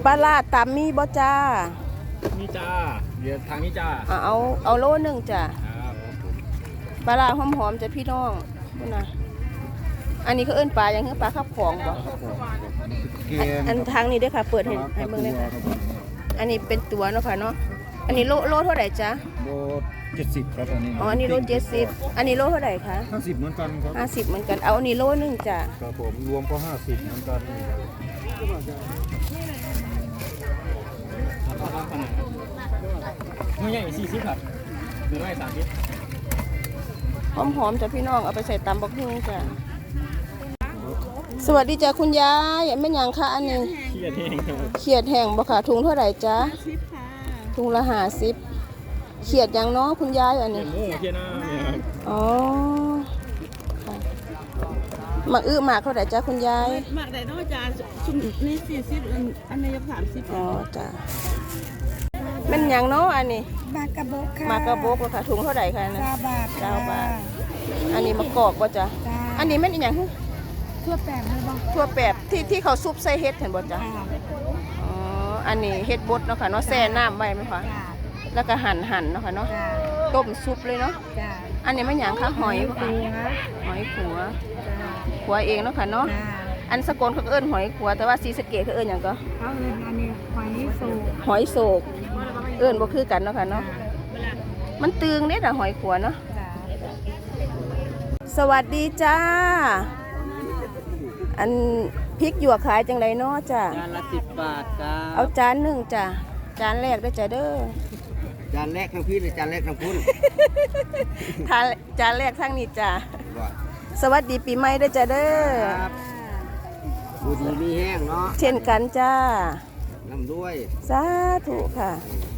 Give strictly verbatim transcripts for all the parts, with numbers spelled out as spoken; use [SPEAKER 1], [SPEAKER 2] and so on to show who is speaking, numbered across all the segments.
[SPEAKER 1] ลาร้าตำมีบ่จ้า
[SPEAKER 2] นี่จ้าเดี๋ยวทางนี้จ้า
[SPEAKER 1] เอาเอาโลหนึ่งจ้า
[SPEAKER 2] ครับ
[SPEAKER 1] ปลาร้าหอมๆจ้ะพี่น้องนี่นะอันนี้เขาเอิ้นปลาอย่างคือปลาข้าวของบ่อันทางนี้ด้วยค่ะเปิดให้ให้เบิ่งเลยค่ะอันนี้เป็นตัวเนาะค่ะเนาะอันนี้โลโลเท่าไหร่จ๊ะ
[SPEAKER 2] โลเจ็ดสิบครับอันนี้
[SPEAKER 1] อ๋ออันนี้โลเจ็ดสิบอันนี้โลเท่าไหร่คะ
[SPEAKER 2] ห้าสิบเหมือนกันครับ
[SPEAKER 1] ห้าสิบเหมือนกันเอาอันนี้โลหนึ่งจ้ะ
[SPEAKER 2] ครับผมรวมก็ห้าสิบเหมือนกันไม่ใหญ่สี่สิบครับหรือไม่สามสิบ
[SPEAKER 1] หอมๆจ้ะพี่น้องเอาไปใส่ตำบักหุ่งจ้ะสวัสดีจ้ะคุณยายแม่หยังคะอันนี้
[SPEAKER 2] เขียดแห้ง
[SPEAKER 1] เขียดแห้งบ่ค่ะถุงเท่าไหร่จ๊ะถุงละห้าสิบเขียดยังเนาะคุณยายอันนี้
[SPEAKER 2] เขียดหมูเขียดหน้าเนี่ยครับ
[SPEAKER 1] อ๋อหมักอื้อหมากเท่าไหร่จ๊ะคุณยาย
[SPEAKER 3] หมักได้นอกจากชุมนี่สี่สิบอันนี้สามสิบ
[SPEAKER 1] อ๋อจ้ะมันยังเนาะอันนี้
[SPEAKER 3] มากระบอกค่ะ
[SPEAKER 1] มากระบอกค่ะถุงเท่าไหร่คะนะ
[SPEAKER 3] เก้าบาท
[SPEAKER 1] เก้าบาทอันนี้มะกอกบ่จ๊ะอันนี้มันอีหยัง
[SPEAKER 3] ทั่วแปบเลยบ้าง
[SPEAKER 1] ทั่วแปบที่ที่เขาซุปใส่เห็ดเห็นบ่จ๊ะอ๋ออันนี้เห็ดบดเนาะค่ะเนาะแช่น้ำไว้ไหมคะแล้วก็หั่นหั่นเนาะค่ะเนาะต้มซุปเลยเนาะอันนี้มันหยังคะหอยค่ะหอยขัวขัวเองเนาะค่ะเนาะอันสกลเขาเอิ้นหอยขัวแต่ว่าศรีสะเกษเขาเอิ้นหยังก็
[SPEAKER 3] เขาเอิ้นอันนี้หอยโศก
[SPEAKER 1] หอยโศกเอิ้นบ่คือกันเนาะค่ะเนาะมันตึงเด้อหอยขัวเนาะสวัสดีจ้าอันพริกหยวกขายจังไรเนาะจ้า
[SPEAKER 4] จานละสิบบาทครับ
[SPEAKER 1] เอาจานหนึ่งจ้าจานแรกได้จ้าเด้อ
[SPEAKER 4] จานแรกทางพี่หรือจานแรกทางพุ่น
[SPEAKER 1] ทานจานแรกทางนี้จ้าสวัสดีปีใหม่ได้จ้าเด้อ
[SPEAKER 4] ครับบูดีมีแห้งเนาะ
[SPEAKER 1] เช่นกันจ้า
[SPEAKER 4] น้ำด้วย
[SPEAKER 1] สาธุค่ะ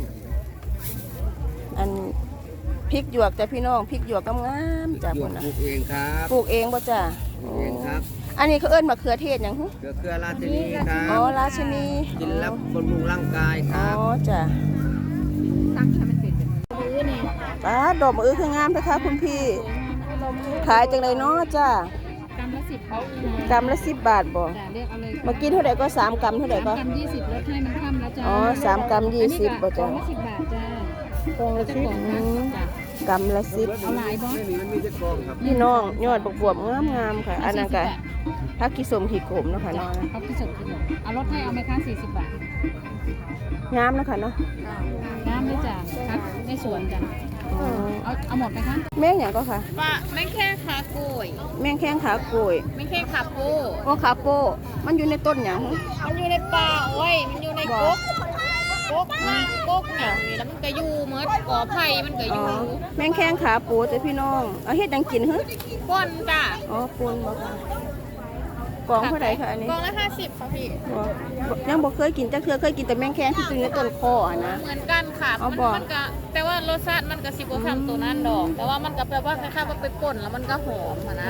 [SPEAKER 1] อันพริกหยวกจ้ะพี่น้องพริกหยวกงามๆจ้า
[SPEAKER 4] ปลูกเองครับ
[SPEAKER 1] ปลูกเองป่ะจ้า
[SPEAKER 4] ปลูกเองครับ
[SPEAKER 1] อันนี้เขาเอิ้นมะเขือเทศยัง
[SPEAKER 4] เขือเขือราชินีครับ
[SPEAKER 1] อ๋อราชินี
[SPEAKER 4] กินแล้วบำรุงร่างกายครับ
[SPEAKER 1] อ๋อจ้ะ
[SPEAKER 3] ตั้งให้มันเป็นมือนี่
[SPEAKER 1] ป้าดอกมะอื้อคืองามนะคะคุณพี่ขายจังเลยเนาะจ้าก
[SPEAKER 3] ำละสิบ
[SPEAKER 1] กำละสิบบาทบ่
[SPEAKER 3] เลือกเอาเลย
[SPEAKER 1] มากินเท่าไหร่ก็สามกำเท่าไหร่ก็
[SPEAKER 3] กำยี่สิบลดให้มันค่ำแล้วจ้า
[SPEAKER 1] อ๋อสามกำยี่สิบบ่จ้า
[SPEAKER 3] สิบบาทจ้า
[SPEAKER 1] ตรงละสิบกำละสิบ
[SPEAKER 3] เอาหลายบ่
[SPEAKER 1] พี่น้องยอดบวบงามๆค่ะอันนั้นก็ผักกิสมขีโขมเนาะค่ะเนาะ
[SPEAKER 3] เอากิสมขีโขมเอาลดให้เอาไหมคะสี่สิบบาท
[SPEAKER 1] งามนะคะเนาะ
[SPEAKER 3] งามเลยจ้ะครับในสวนจ้ะเอาเอาหมดไหมคะ
[SPEAKER 1] แม่งอย่างก็ค่ะ
[SPEAKER 3] ปลาแม่งแข้งขาโกย
[SPEAKER 1] แม่งแข้งขาโกย
[SPEAKER 3] แม่งแข้งขาโป
[SPEAKER 1] โอ้ขาโปมันอยู่ในต้นอย่าง
[SPEAKER 3] มันอยู่ในป่าโอ้ยมันอยู่ในก๊กก๊กมาก๊กอย่างนี้แล้วมันก็อยู่เหมือนก่อไผ่มันก็อยู่
[SPEAKER 1] แม่งแข้งขาโปจ้ะพี่น้องเอาเฮ็ดยังกินฮึ
[SPEAKER 3] ป้นจ้ะ
[SPEAKER 1] อ๋อป้นบ่ค่ะกองเท่าไหร่คะอันนี้
[SPEAKER 3] กองละห้าสิบค่ะพี่
[SPEAKER 1] ยังบอกเคยกินจะเคยเคยกินแต่แมงแข้งที่อยู่ในต้นคอนะ
[SPEAKER 3] เหมือนกันค่ะมันมันก็แต่ว่ารสชาติมันก็สิบกว่าคำตัวนั้นดอกแต่ว่ามันก็แปลว่าคล้ายๆว่าไปป่นแล้วมันก็หอมนะ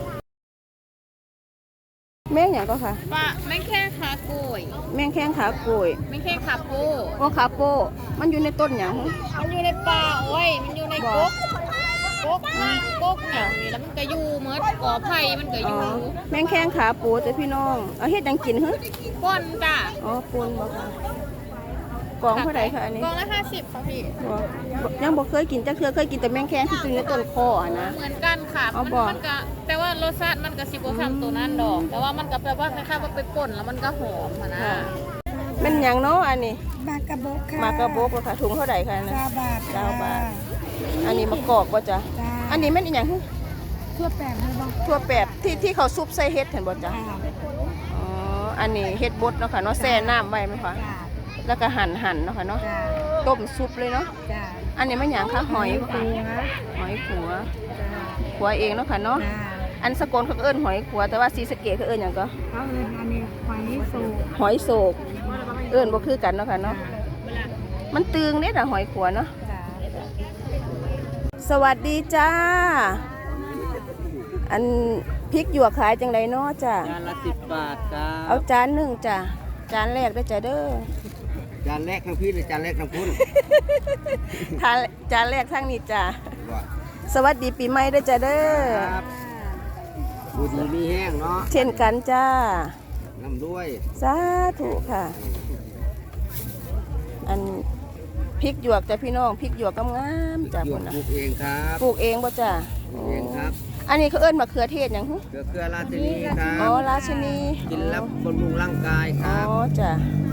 [SPEAKER 1] แม่งอย่างก็ค่ะ
[SPEAKER 3] ปลาแมงแข้งขาโกย
[SPEAKER 1] แมงแข้งขาโกย
[SPEAKER 3] แมงแข้งขาโป
[SPEAKER 1] โอ้ขาโปมันอยู่ในต้นอย่าง
[SPEAKER 3] มันอยู่ในป่าโอ้ยมันอยู่ในก๊กก๊กมาก๊กอย่างนี้แล้วมันก็อยู่เหมือนก่อไผ่มันก็อยู่
[SPEAKER 1] แมงแข้งขาโปจ้ะพี่น้องเอาเฮ็ดยังกินฮึ
[SPEAKER 3] ป้นจ้ะ
[SPEAKER 1] อ๋อป้นบ่ค่ะกองเท่าไหร่คะอันนี้
[SPEAKER 3] กองละห้าสิบค่ะพี่
[SPEAKER 1] ยังบอกเคยกินจะเคยเคยกินแต่แมงแข้งที่อยู่ในต้นคอนะ
[SPEAKER 3] เหมือนกันค่ะมันมันก็แต่ว่ารสชาติมันก็สิบกว่าคำตัวนั้นดอกแต่ว่ามันก็แปลว่าคล้ายๆว่าไปป่นแล้วมันก็หอมนะ
[SPEAKER 1] เป็นอย่างเนาะอันนี้
[SPEAKER 3] มากระบอกค่ะ
[SPEAKER 1] มากระบอกค่ะถุงเท่าไหร่คะนะ
[SPEAKER 3] เก้าบาท
[SPEAKER 1] เก้าบาทอันนี้มะกอกบ่จ้ะอันนี้มันอีหยัง
[SPEAKER 3] ทั่วแปบเลยบ้าง
[SPEAKER 1] ทั่วแปบที่ที่เขาซุปใส่เห็ดเห็นบ่จ้ะอ๋ออันนี้เห็ดบดเนาะค่ะเนาะแช่น้ำไว้ไหมคะแล้วก็หั่นหั่นเนาะค่ะเนาะต้มซุปเลยเนาะอันนี้มันหยังคะหอยขัวหอยขัวขัวเองเนาะค่ะเนาะอันสกลเขาเอิ้นหอยขัวแต่ว่าศรีสะเกษเขาเอิ้นหยังก็
[SPEAKER 3] เขาเอิ้นอันนี้หอยโศก
[SPEAKER 1] หอยโศกเอิ้นบ่คือกันเนาะค่ะเนาะมันตึงเด้อหอยขัวเนาะสวัสดีจ้าอันพริกหยวกขายจังไรเนาะจ้า
[SPEAKER 4] จานละสิบบาทครับ
[SPEAKER 1] เอาจานหนึ่งจ้าจานแรกได้จ้าเด้อ
[SPEAKER 4] จานแรกทางพี่หรือจานแรกทางพุ่น
[SPEAKER 1] ทานจานแรกทางนี้จ้าสวัสดีปีใหม่ได้จ้าเด้อ
[SPEAKER 4] บูดีมีแห้งเนาะ
[SPEAKER 1] เช่นกันจ้า
[SPEAKER 4] น้ำด้วย
[SPEAKER 1] สาธุค่ะพริกหยวกจ้ะพี่น้องพริกหยวกงามๆจ้ะ
[SPEAKER 4] หยว
[SPEAKER 1] พุ่
[SPEAKER 4] ก
[SPEAKER 1] นน่ะ
[SPEAKER 4] ปลูกเองครับ
[SPEAKER 1] ปลูกเองบ่จ้ะ
[SPEAKER 4] ปลูกเองครับ
[SPEAKER 1] อันนี้เขาเอิ้นมะเขือเทศหยังหึ
[SPEAKER 4] เกลือเกลือราชินีครั
[SPEAKER 1] อ๋อบ ราชินี
[SPEAKER 4] กินแล้วบำรุงร่างกายค
[SPEAKER 1] อ๋อ
[SPEAKER 4] รับ
[SPEAKER 1] จ้ะ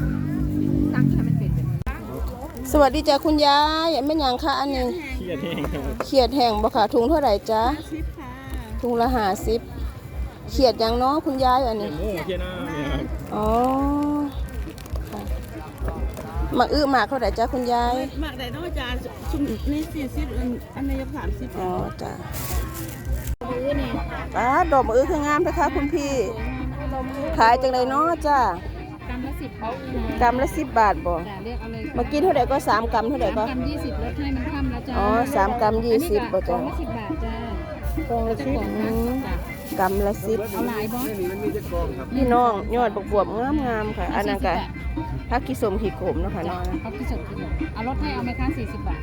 [SPEAKER 1] สวัสดีจ้ะคุณยายแม่นหยังคะอันนี้
[SPEAKER 2] เครียดแห้งครับ
[SPEAKER 1] เขียดแห้งบ่ค่ะถุงเท่าไหร่จ๊ะถุงละห้าสิบเขียดหยังเนาะคุณยายอัน
[SPEAKER 2] เครี
[SPEAKER 1] นี้
[SPEAKER 2] ยดหมูเครียดหน้าเนี่ยครับ
[SPEAKER 1] อ๋อค่ะหมักอื้อหมากเท่าไหร่จ๊ะคุณยาย
[SPEAKER 5] หมักได้น้อยจานชุมนี่สี่สิบอันนี้ยกสามสิบ
[SPEAKER 1] อ๋อจ้ะ
[SPEAKER 5] ซื้อนี่
[SPEAKER 1] อ่าดอกมะอื้อคืองามไหมคะคุณพี่ ขายจังเลยเนาะจ้ะ
[SPEAKER 3] กำละสิบบาท
[SPEAKER 1] กำละสิบบาทบ่
[SPEAKER 3] จ้ะเรียกเอาเลย
[SPEAKER 1] เมื่อกี้เท่าไหร่ก็สามกำเท่าไหร่ก็
[SPEAKER 3] กำยี่สิบลดให้มันค่ำแล้วจ้า
[SPEAKER 1] อ๋อสามกำยี่สิบบ่จ้ะ
[SPEAKER 3] กล่องละสิบบาทจ้าก
[SPEAKER 1] องละสิบอืมกำละสิบ
[SPEAKER 3] เอาหลายบอส
[SPEAKER 4] นี่มันมีจะกองครับ
[SPEAKER 1] พี่น้องยอดบวบบวบงามงามๆค่ะ อันนั้นก็ผักกิสมขีโขมเนาะค่ะเนาะ
[SPEAKER 3] เอาที่สุดที่สุดเอาลดให้เอาไหมคะสี่สิบบาท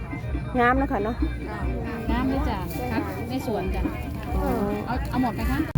[SPEAKER 1] งามเนาะค่ะเนาะ
[SPEAKER 3] น้ำด้วยจ้ะครับในสวนจ้ะ
[SPEAKER 1] อ๋อ
[SPEAKER 3] เอาเอาหมดไหมคะ